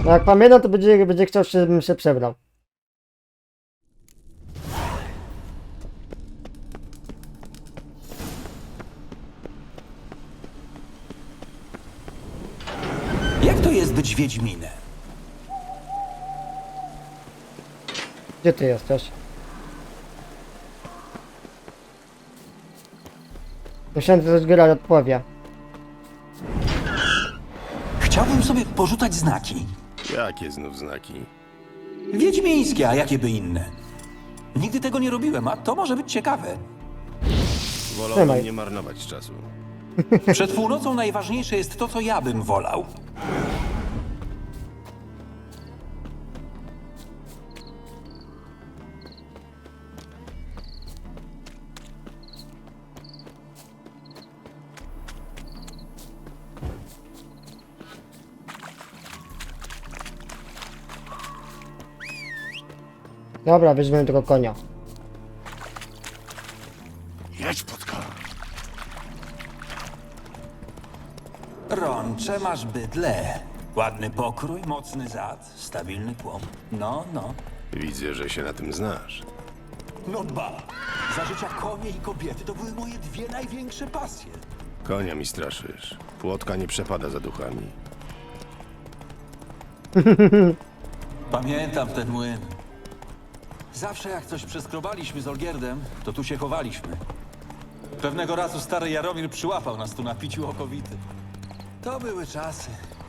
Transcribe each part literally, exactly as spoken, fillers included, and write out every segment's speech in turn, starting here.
No jak pamiętam, to będzie, będzie chciał, żebym się przebrał. Jak to jest być Wiedźminem? Gdzie ty jesteś? Myślałem, że coś Geralt odpowie. Chciałbym sobie porzucać znaki. Jakie znów znaki? Wiedźmińskie, a jakie by inne? Nigdy tego nie robiłem, a to może być ciekawe. Wolałbym Trzymaj. nie marnować czasu. Przed północą najważniejsze jest to, co ja bym wolał. Dobra, weźmiemy tego konia. Jedź, Płotka! Rącze masz bydle. Ładny pokrój, mocny zad, stabilny tłum. No, no. Widzę, że się na tym znasz. No dba. Za życia konie i kobiety to były moje dwie największe pasje. Konia mi straszysz. Płotka nie przepada za duchami. Pamiętam ten młyn. Zawsze jak coś przeskrobaliśmy z Olgierdem, to tu się chowaliśmy. Pewnego razu stary Jaromir przyłapał nas tu na piciu okowity. To były czasy.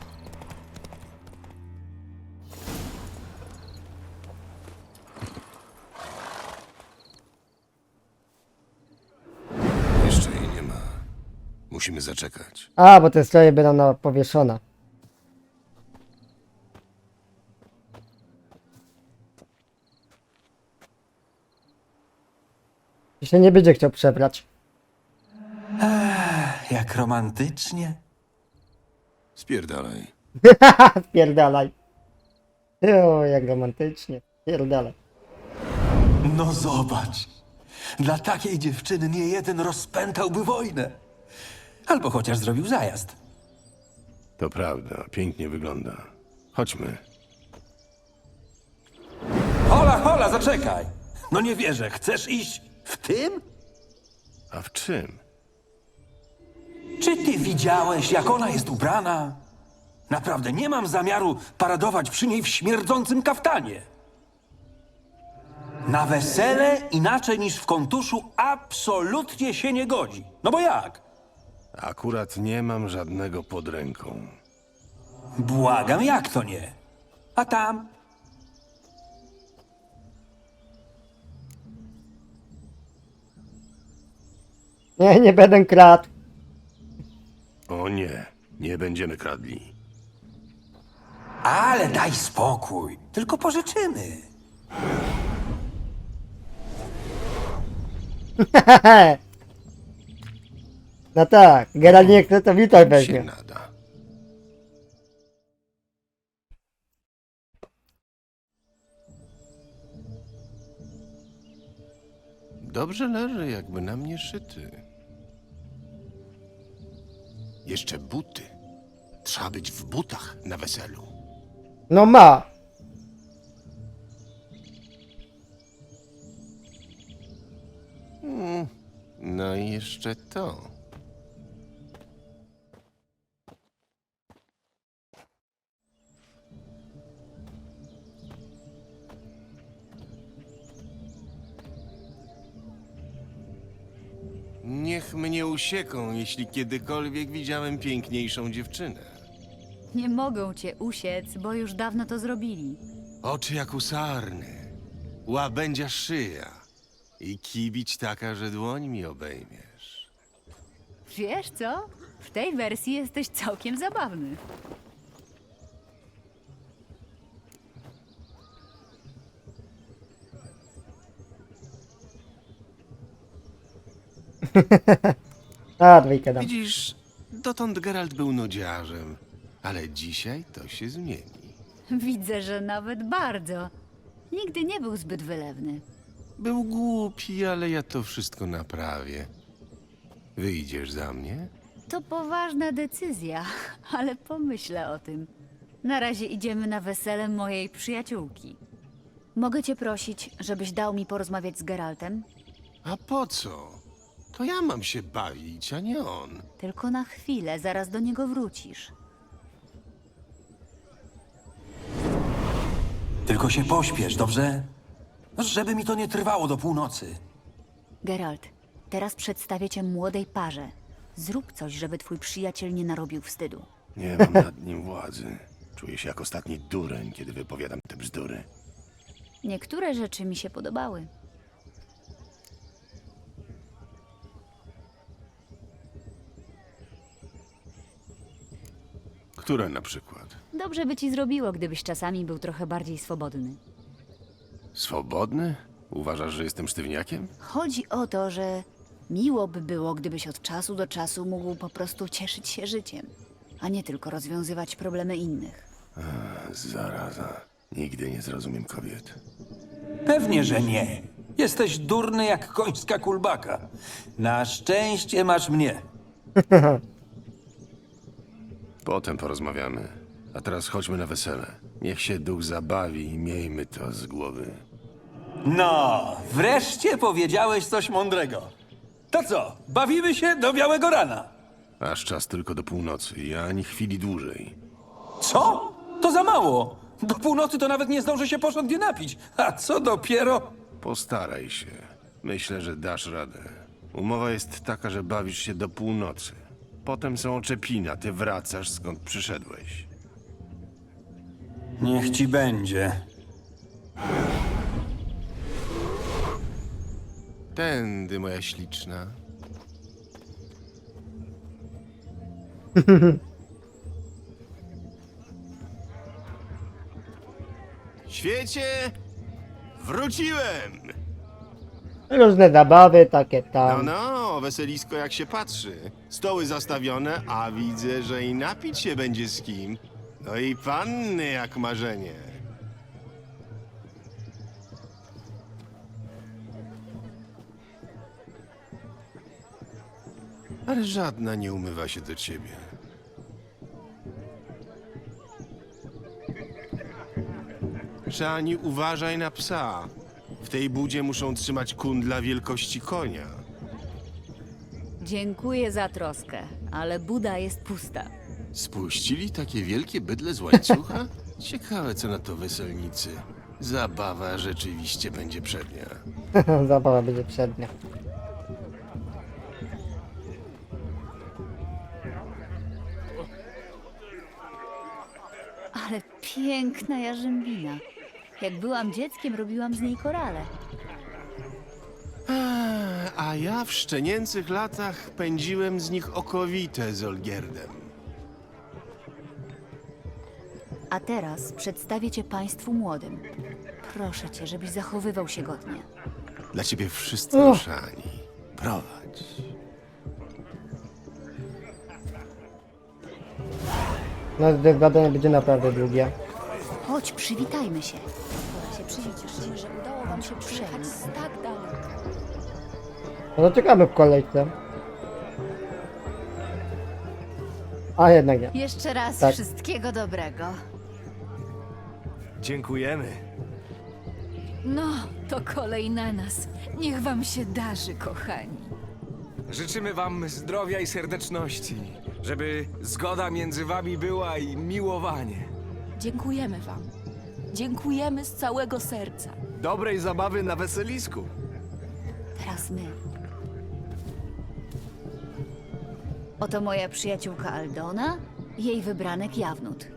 Jeszcze jej nie ma. Musimy zaczekać. A, bo te stroje będą na powieszone. I się nie będzie chciał przebrać. Jak romantycznie. Spierdalaj. Spierdalaj. O, jak romantycznie. Spierdalaj. No zobacz. Dla takiej dziewczyny nie jeden rozpętałby wojnę. Albo chociaż zrobił zajazd. To prawda, pięknie wygląda. Chodźmy. Hola, hola, zaczekaj. No nie wierzę, chcesz iść w tym? A w czym? Czy ty widziałeś, jak ona jest ubrana? Naprawdę, nie mam zamiaru paradować przy niej w śmierdzącym kaftanie. Na wesele inaczej niż w kontuszu absolutnie się nie godzi. No bo jak? Akurat nie mam żadnego pod ręką. Błagam, jak to nie? A tam? Nie, nie będę kradł. O nie, nie będziemy kradli. Ale daj spokój. Tylko pożyczymy. No tak, Geralt nie chce, to witaj Się weźmie. nada. Dobrze leży, jakby na mnie szyty. Jeszcze buty. Trzeba być w butach na weselu. No ma. No i jeszcze to. Niech mnie usieką, jeśli kiedykolwiek widziałem piękniejszą dziewczynę. Nie mogą cię usiec, bo już dawno to zrobili. Oczy jak u sarny, łabędzia szyja i kibić taka, że dłoń mi obejmiesz. Wiesz co? W tej wersji jesteś całkiem zabawny. A, dwójkę dam. Widzisz, dotąd Geralt był nudziarzem, ale dzisiaj to się zmieni. Widzę, że nawet bardzo. Nigdy nie był zbyt wylewny. Był głupi, ale ja to wszystko naprawię. Wyjdziesz za mnie? To poważna decyzja, ale pomyślę o tym. Na razie idziemy na wesele mojej przyjaciółki. Mogę cię prosić, żebyś dał mi porozmawiać z Geraltem? A po co? To ja mam się bawić, a nie on. Tylko na chwilę, zaraz do niego wrócisz. Tylko się pośpiesz, dobrze? No, żeby mi to nie trwało do północy. Geralt, teraz przedstawię cię młodej parze. Zrób coś, żeby twój przyjaciel nie narobił wstydu. Nie mam nad nim władzy. Czuję się jak ostatni dureń, kiedy wypowiadam te bzdury. Niektóre rzeczy mi się podobały. Które na przykład? Dobrze by ci zrobiło, gdybyś czasami był trochę bardziej swobodny. Swobodny? Uważasz, że jestem sztywniakiem? Chodzi o to, że miło by było, gdybyś od czasu do czasu mógł po prostu cieszyć się życiem, a nie tylko rozwiązywać problemy innych. Zaraza. Nigdy nie zrozumiem kobiet. Pewnie, że nie. Jesteś durny jak końska kulbaka. Na szczęście masz mnie. Potem porozmawiamy. A teraz chodźmy na wesele. Niech się duch zabawi i miejmy to z głowy. No, wreszcie powiedziałeś coś mądrego. To co, bawimy się do białego rana? Aż czas tylko do północy i ani chwili dłużej. Co? To za mało. Do północy to nawet nie zdążę się porządnie napić. A co dopiero... Postaraj się. Myślę, że dasz radę. Umowa jest taka, że bawisz się do północy. Potem są oczepina, ty wracasz skąd przyszedłeś. Niech ci będzie. Tędy, moja śliczna. Świecie! Wróciłem! Różne zabawy, takie No, tam. no, weselisko jak się patrzy. Stoły zastawione, a widzę, że i napić się będzie z kim. No i panny jak marzenie. Ale żadna nie umywa się do ciebie. Szani, uważaj na psa. W tej budzie muszą trzymać kundla wielkości konia. Dziękuję za troskę, ale buda jest pusta. Spuścili takie wielkie bydle z łańcucha? Ciekawe, co na to weselnicy. Zabawa rzeczywiście będzie przednia. Zabawa będzie przednia. Ale piękna jarzębina. Jak byłam dzieckiem, robiłam z niej korale. Eee, A ja w szczenięcych latach pędziłem z nich okowite z Olgierdem. A teraz przedstawię cię państwu młodym. Proszę cię, żebyś zachowywał się godnie. Dla ciebie wszystko, Uch. Szani. Prowadź. No, zgadanie będzie naprawdę długie. Chodź, przywitajmy się. Się przyjdziesz, że udało wam się przyjechać tak daleko. No to czekamy w kolejce. A jednak nie. Jeszcze raz Tak. wszystkiego dobrego. Dziękujemy. No, to kolej na nas. Niech wam się darzy, kochani. Życzymy wam zdrowia i serdeczności, żeby zgoda między wami była i miłowanie. Dziękujemy wam. Dziękujemy z całego serca. Dobrej zabawy na weselisku. Teraz my. Oto moja przyjaciółka Aldona, jej wybranek Jawnut.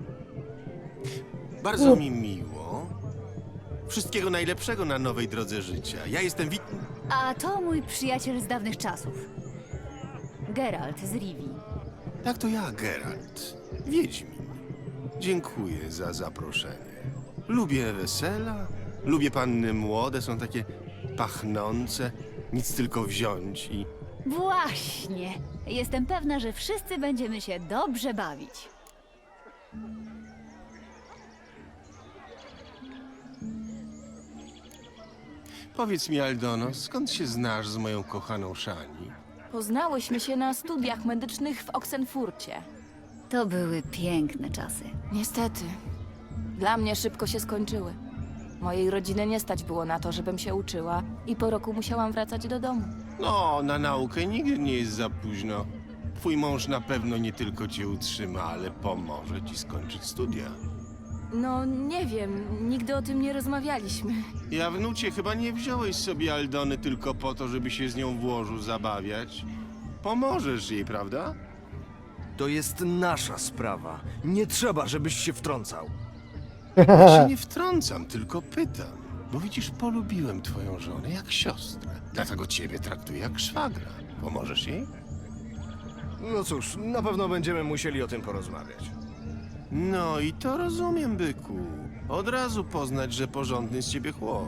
Bardzo mi miło. Wszystkiego najlepszego na nowej drodze życia. Ja jestem Wit... A to mój przyjaciel z dawnych czasów. Geralt z Rivii. Tak, to ja, Geralt. Wiedźmin. Dziękuję za zaproszenie. Lubię wesela, lubię panny młode, są takie pachnące, nic tylko wziąć i... Właśnie. Jestem pewna, że wszyscy będziemy się dobrze bawić. Powiedz mi, Aldono, skąd się znasz z moją kochaną Szani? Poznałyśmy się na studiach medycznych w Oksenfurcie. To były piękne czasy. Niestety. Dla mnie szybko się skończyły. Mojej rodziny nie stać było na to, żebym się uczyła i po roku musiałam wracać do domu. No, na naukę nigdy nie jest za późno. Twój mąż na pewno nie tylko cię utrzyma, ale pomoże ci skończyć studia. No, nie wiem, nigdy o tym nie rozmawialiśmy. Ja wnucie, chyba nie wziąłeś sobie Aldony tylko po to, żeby się z nią w łożu zabawiać. Pomożesz jej, prawda? To jest nasza sprawa. Nie trzeba, żebyś się wtrącał. Ja się nie wtrącam, tylko pytam. Bo widzisz, polubiłem twoją żonę jak siostrę. Dlatego ciebie traktuję jak szwagra. Pomożesz jej? No cóż, na pewno będziemy musieli o tym porozmawiać. No i to rozumiem, byku. Od razu poznać, że porządny z ciebie chłop.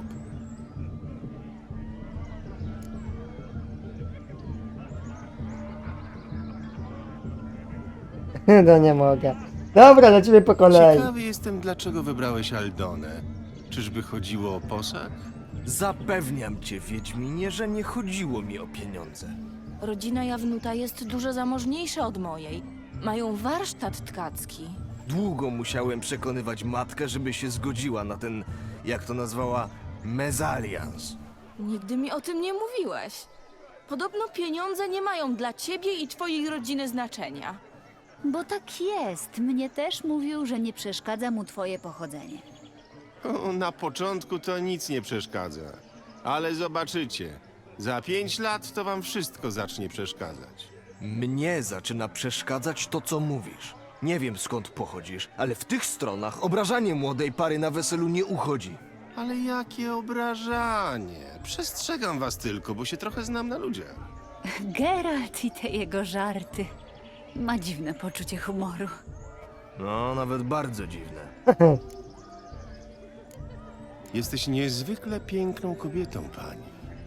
No nie mogę. Dobra, lecimy po kolei. Ciekawy jestem, dlaczego wybrałeś Aldonę. Czyżby chodziło o posag? Zapewniam cię, Wiedźminie, że nie chodziło mi o pieniądze. Rodzina Jawnuta jest dużo zamożniejsza od mojej. Mają warsztat tkacki. Długo musiałem przekonywać matkę, żeby się zgodziła na ten, jak to nazwała, mezalians. Nigdy mi o tym nie mówiłeś. Podobno pieniądze nie mają dla ciebie i twojej rodziny znaczenia. Bo tak jest. Mnie też mówił, że nie przeszkadza mu twoje pochodzenie. O, na początku to nic nie przeszkadza. Ale zobaczycie. Za pięć lat to wam wszystko zacznie przeszkadzać. Mnie zaczyna przeszkadzać to, co mówisz. Nie wiem, skąd pochodzisz, ale w tych stronach obrażanie młodej pary na weselu nie uchodzi. Ale jakie obrażanie. Przestrzegam was tylko, bo się trochę znam na ludziach. Geralt i te jego żarty. Ma dziwne poczucie humoru. No, nawet bardzo dziwne. Jesteś niezwykle piękną kobietą, pani.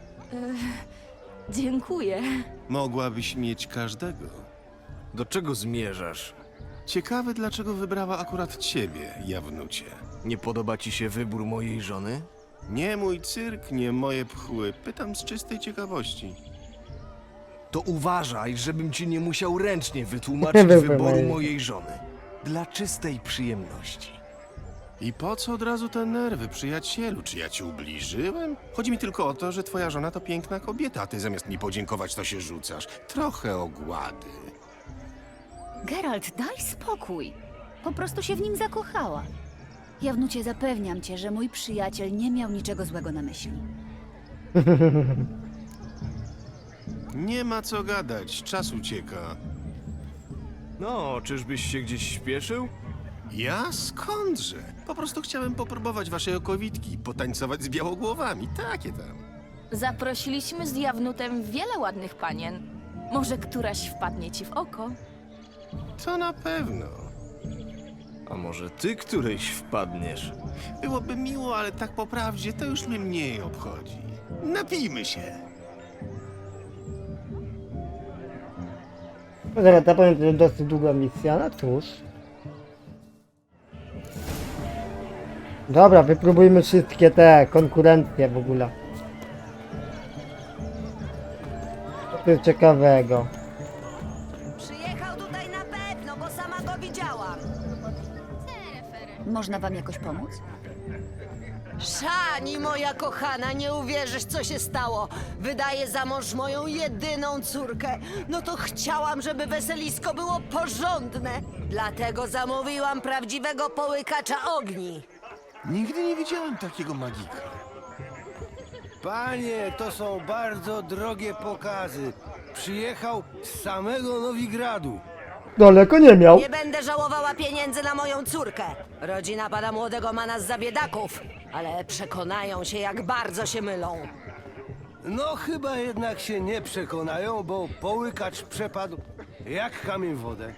Dziękuję. Mogłabyś mieć każdego. Do czego zmierzasz? Ciekawe, dlaczego wybrała akurat ciebie, Jawnucie. Nie podoba ci się wybór mojej żony? Nie mój cyrk, nie moje pchły. Pytam z czystej ciekawości. To uważaj, żebym ci nie musiał ręcznie wytłumaczyć Wybór wyboru mojej. mojej żony. Dla czystej przyjemności. I po co od razu te nerwy, przyjacielu? Czy ja ci ubliżyłem? Chodzi mi tylko o to, że twoja żona to piękna kobieta, a ty zamiast mi podziękować, to się rzucasz. Trochę ogłady. Geralt, daj spokój. Po prostu się w nim zakochała. Jawnucie, zapewniam cię, że mój przyjaciel nie miał niczego złego na myśli. Nie ma co gadać, czas ucieka. No, czyżbyś się gdzieś śpieszył? Ja skądże? Po prostu chciałem popróbować waszej okowitki i potańcować z białogłowami, takie tam. Zaprosiliśmy z Jawnutem wiele ładnych panien. Może któraś wpadnie ci w oko? To na pewno. A może ty którejś wpadniesz? Byłoby miło, ale tak po prawdzie to już mnie mniej obchodzi. Napijmy się. No zaraz, to powiem, że dosyć długa misja, no cóż. Dobra, wypróbujmy wszystkie te konkurencje w ogóle. Co tu jest ciekawego? Przyjechał tutaj na pewno, bo sama go widziałam. Można wam jakoś pomóc? Szani, moja kochana, nie uwierzysz, co się stało. Wydaję za mąż moją jedyną córkę. No to chciałam, żeby weselisko było porządne. Dlatego zamówiłam prawdziwego połykacza ogni. Nigdy nie widziałem takiego magika. Panie, to są bardzo drogie pokazy. Przyjechał z samego Nowigradu. Daleko nie miał. Nie będę żałowała pieniędzy na moją córkę. Rodzina pana młodego ma nas za biedaków, ale przekonają się, jak bardzo się mylą. No chyba jednak się nie przekonają, bo połykacz przepadł jak kamień w wodę.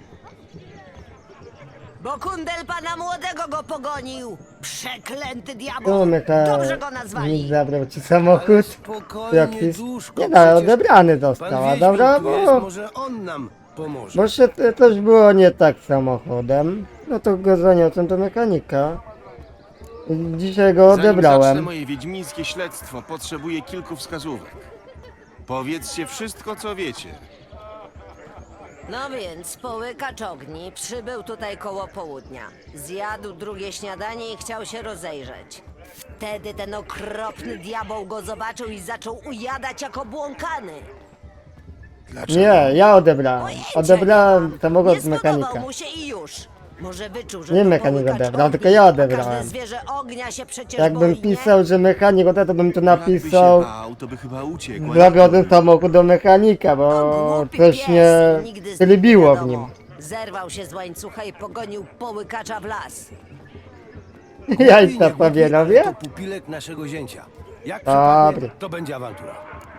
Bo kundel pana młodego go pogonił. Przeklęty Tu diabeł. mnie ta... Dobrze go nazwali. Nikt zabrał ci Ale samochód. spokojnie, Jakiś... duszko, Nie no, przecież odebrany Pan został, a Wiedźmin dobra, tu jest, bo... może on nam pomoże. Bo się te- też było nie tak z samochodem. No to go zaniosłem do mechanika. I dzisiaj go Zanim zacznę odebrałem. moje wiedźmińskie śledztwo, potrzebuję kilku wskazówek. Powiedzcie wszystko, co wiecie. No więc połykacz ogni przybył tutaj koło południa. Zjadł drugie śniadanie i chciał się rozejrzeć. Wtedy ten okropny diabeł go zobaczył i zaczął ujadać jak obłąkany. Dlaczego? Nie, ja odebrałem. Pojęcia Odebrałem nie mam. samochód Nie z mechanika. spodobał mu się i już. Może wyczuł, że Nie to mechanik połykacz odebrał, ognia, tylko ja a odebrałem. Każde zwierzę ognia się przecież Jakbym boi, nie? pisał, że mechanik odebrał, to bym tu Jakby się napisał bał, to by chyba uciekł. a zawiodłem nie- samochód do mechanika, To bo głupi coś pies, nie nigdy z nim lubiło nie w nim. wiadomo. Zerwał się z łańcucha i pogonił połykacza w las. Jajca ale Pawierowie? to pupilek naszego zięcia. Jak Dobry. przypadnie, to będzie awantura.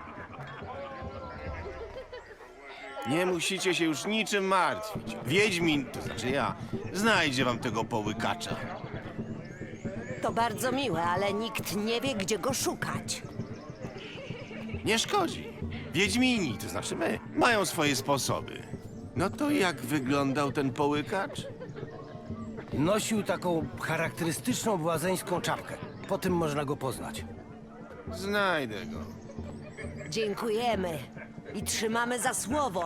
Nie musicie się już niczym martwić. Wiedźmin, to znaczy ja, znajdzie wam tego połykacza. To bardzo miłe, ale nikt nie wie, gdzie go szukać. Nie szkodzi. Wiedźmini, to znaczy my, mają swoje sposoby. No to jak wyglądał ten połykacz? Nosił taką charakterystyczną błazeńską czapkę. Po tym można go poznać. Znajdę go. Dziękujemy i trzymamy za słowo.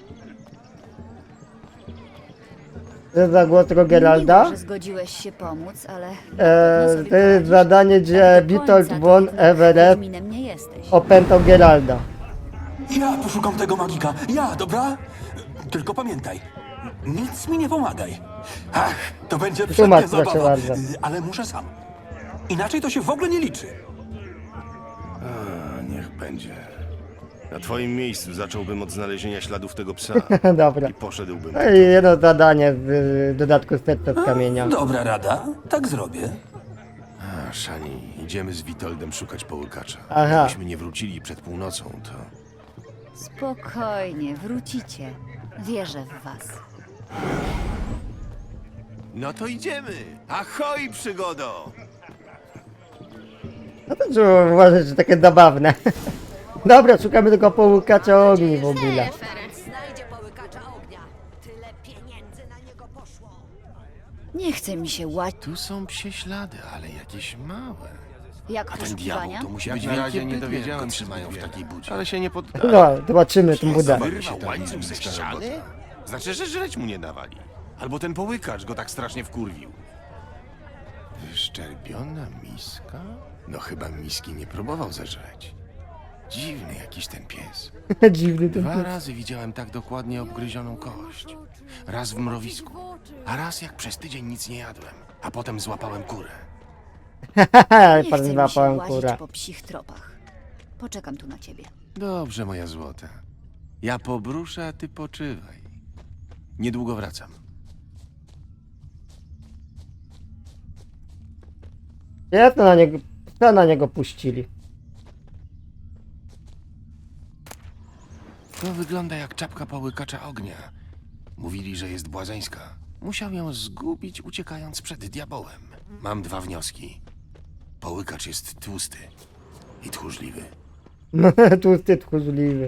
To jest za głos tego Geralda. Miło, że zgodziłeś się pomóc, ale... E, trudno sobie to jest poradzić. zadanie, gdzie Tak do Witold końca von to jednak Everett Wiedźminem nie jesteś. opętał Geralda. Ja poszukam tego magika. Ja, dobra? Tylko pamiętaj, nic mi nie pomagaj. Ach, to będzie Tłumacz, przednia proszę zabawa, bardzo. y, ale muszę sam. Inaczej to się w ogóle nie liczy. A, niech będzie. Na twoim miejscu zacząłbym od znalezienia śladów tego psa Dobra. i poszedłbym. No i jedno zadanie z y, dodatku serca z kamienia. Dobra rada, tak zrobię. A, Szani, idziemy z Witoldem szukać połykacza. Aha. Jakbyśmy nie wrócili przed północą, to... Spokojnie, wrócicie. Wierzę w was. No to idziemy! Ahoj, przygodo! No to trzeba uważać, że takie zabawne. Dobra, szukamy tego połykacza ogni w ogóle. Znajdzie połykacza ognia. Tyle pieniędzy na niego poszło. Nie chce mi się łać. Tu są psie ślady, ale jakieś małe. Jak A ten diabeł poszukiwania? to musi Jak być na wielkie razie nie bydlę, dowiedziałem jak go się trzymają w zbyt takiej wiele. budzie. Ale się nie poddaje. No, zobaczymy tą budę. Wyrwał łańcuch ze ściany? Znaczy, że żreć mu nie dawali. Albo ten połykacz go tak strasznie wkurwił. Wyszczerbiona miska? No chyba miski nie próbował zeżreć. Dziwny jakiś ten pies. Dziwny ten Dwa pies. razy widziałem tak dokładnie obgryzioną kość. Raz w mrowisku, a raz jak przez tydzień nic nie jadłem. A potem złapałem kurę. Haha, Nie pan chce mi się złapałem łazić kurę. po psich tropach. Poczekam tu na ciebie. Dobrze, moja złota. Ja pobruszę, a ty poczywaj. Niedługo wracam. Ja to na niego, to na niego puścili. To wygląda jak czapka połykacza ognia. Mówili, że jest błazeńska. Musiał ją zgubić, uciekając przed diabełem. Mam dwa wnioski. Połykacz jest tłusty i tchórzliwy. Tłusty, tchórzliwy.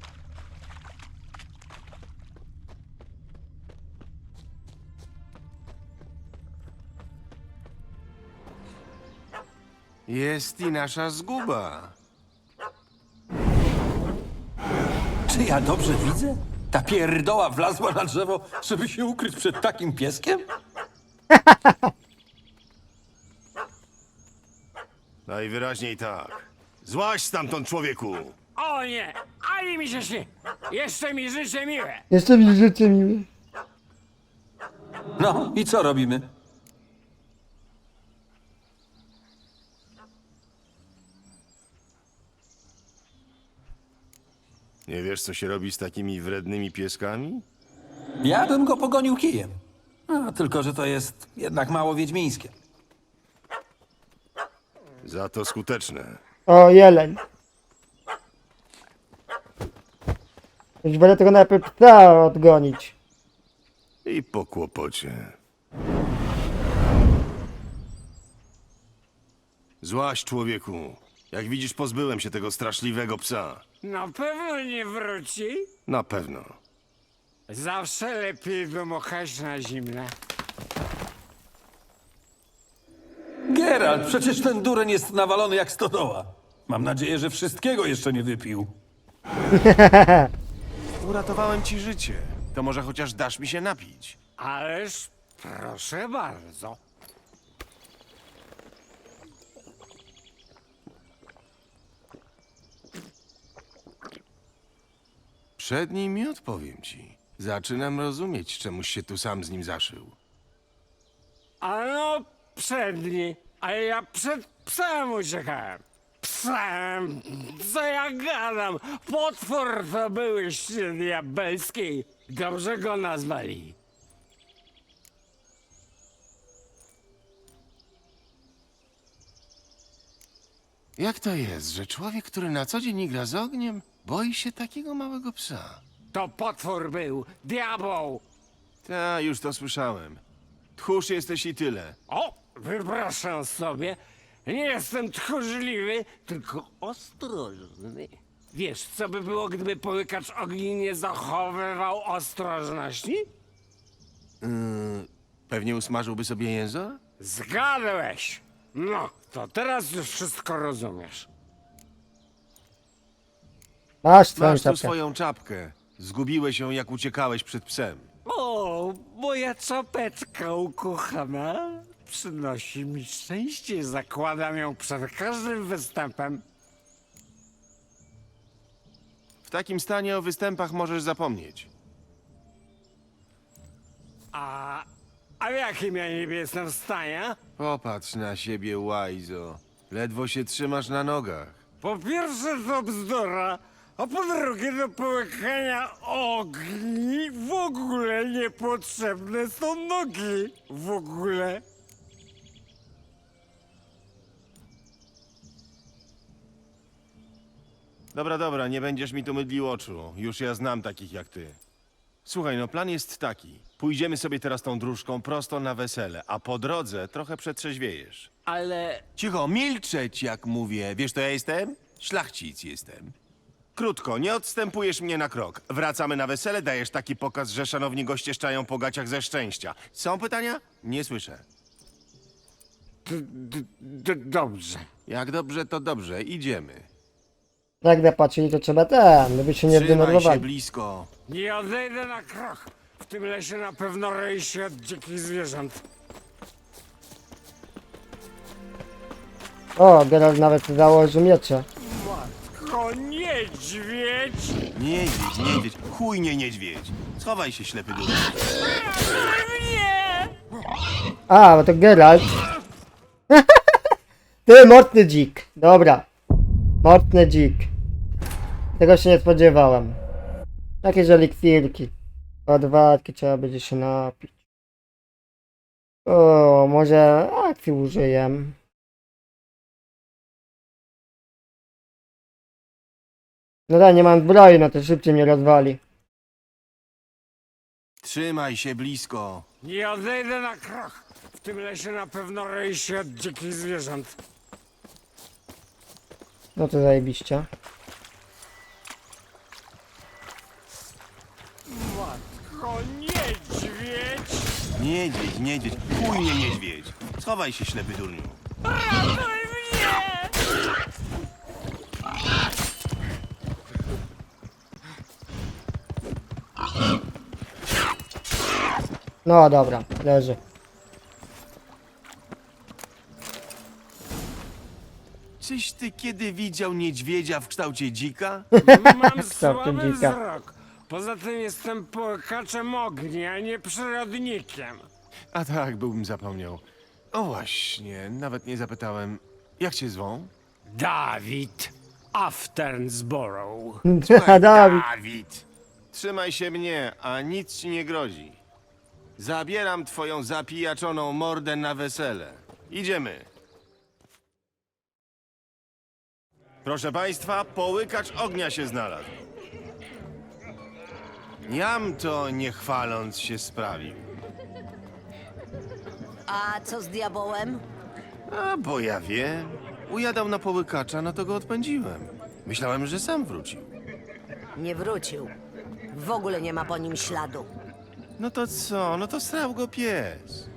Jest i nasza zguba. Czy ja dobrze widzę? Ta pierdoła wlazła na drzewo, żeby się ukryć przed takim pieskiem? Najwyraźniej tak. Złaź stamtąd, człowieku! O nie, ani mi się śni. Jeszcze mi życzę miłe. Jeszcze mi życzę miły. No i co robimy? Nie wiesz, co się robi z takimi wrednymi pieskami? Ja bym go pogonił kijem. No, tylko, że to jest jednak mało wiedźmińskie. Za to skuteczne. O, jeleń. Już będę tego najpierw psa odgonić. I po kłopocie. Złaś, człowieku. Jak widzisz, pozbyłem się tego straszliwego psa. Na pewno nie wróci. Na pewno. Zawsze lepiej wymochać na zimne. Geralt, przecież ten dureń jest nawalony jak stodoła. Mam nadzieję, że wszystkiego jeszcze nie wypił. Uratowałem ci życie. to może chociaż dasz mi się napić. Ależ proszę bardzo. Przed nim i odpowiem ci. Zaczynam rozumieć, czemuś się tu sam z nim zaszył. A no przedni, a ja przed psem uciekałem. Psem, co ja gadam? Potwór to byłyście diabelski. Dobrze go nazwali. Jak to jest, że człowiek, który na co dzień gra z ogniem, boi się takiego małego psa? To potwór był, diabeł. Ta, już to słyszałem. Tchórz jesteś i tyle. O, wypraszam sobie. Nie jestem tchórzliwy, tylko ostrożny. Wiesz, co by było, gdyby połykacz ogni nie zachowywał ostrożności? Yy, pewnie usmażyłby sobie język? Zgadłeś. No, to teraz już wszystko rozumiesz. Masz twoją Masz tu czapkę. swoją czapkę. Zgubiłeś ją, jak uciekałeś przed psem. O, moja czapeczka ukochana przynosi mi szczęście. Zakładam ją przed każdym występem. W takim stanie o występach możesz zapomnieć. A, a w jakim ja niby jestem w stanie? Popatrz na siebie, łajzo. Ledwo się trzymasz na nogach. Po pierwsze to bzdura, a po drugie do połykania ogni w ogóle niepotrzebne są nogi. W ogóle. Dobra, dobra, nie będziesz mi tu mydlił oczu. Już ja znam takich jak ty. Słuchaj, no plan jest taki. Pójdziemy sobie teraz tą dróżką prosto na wesele, a po drodze trochę przetrzeźwiejesz. Ale Cicho, milczeć jak mówię. Wiesz, to ja jestem? Szlachcic jestem. Krótko, nie odstępujesz mnie na krok. Wracamy na wesele, dajesz taki pokaz, że szanowni goście szczają po gaciach ze szczęścia. Są pytania? Nie słyszę. d- d- d- dobrze. Jak dobrze, to dobrze. Idziemy. Jak zapatrzyli, to trzeba ten, żeby się nie Trzymaj się zdenerwowali. blisko. Nie odejdę na krok. W tym lesie na pewno roi się od dzikich zwierząt. O, Geralt nawet założył miecze. Matko, niedźwiedź! Niedźwiedź, niedźwiedź. Chuj nie niedźwiedź. Schowaj się, ślepy duch. Nie! A, bo to Geralt. Ty, mocny dzik. Dobra. Mocny dzik. Tego się nie spodziewałem. Jakieś eliksirki. Odwadki trzeba będzie się napić. O, może akcji użyję. No tak, nie mam zbroi, no to szybciej mnie rozwali. Trzymaj się blisko. Nie odejdę na krok. W tym lesie na pewno roi się od dzikich zwierząt. No to zajebiście. Matko, niedźwiedź! Niedźwiedź, niedźwiedź. Chuj nie niedźwiedź. Schowaj się, ślepy durniu. Ratuj mnie! No dobra, leży. Czyś ty kiedy widział niedźwiedzia w kształcie dzika? Mam Kształtem słaby dzika. wzrok. Poza tym jestem połkaczem ognia, a nie przyrodnikiem. A tak, byłbym zapomniał. O właśnie, nawet nie zapytałem. Jak cię zwą? Dawid Afternsborough. Dawid. Dawid! Trzymaj się mnie, a nic ci nie grozi. Zabieram twoją zapijaczoną mordę na wesele. Idziemy. Proszę państwa, połykacz ognia się znalazł. Jam to nie chwaląc się sprawił. A co z diabołem? A bo ja wiem. Ujadał na połykacza, no to go odpędziłem. Myślałem, że sam wrócił. Nie wrócił. W ogóle nie ma po nim śladu. No to co? No to srał go pies.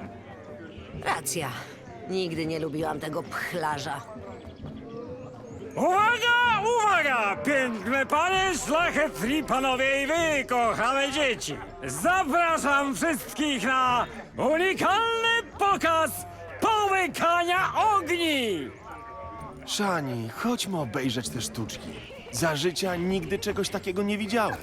Racja. Nigdy nie lubiłam tego pchlarza. Uwaga, uwaga! Piękne panie, szlachetni panowie i wy, kochane dzieci! Zapraszam wszystkich na unikalny pokaz połykania ogni! Szani, chodźmy obejrzeć te sztuczki. Za życia nigdy czegoś takiego nie widziałem.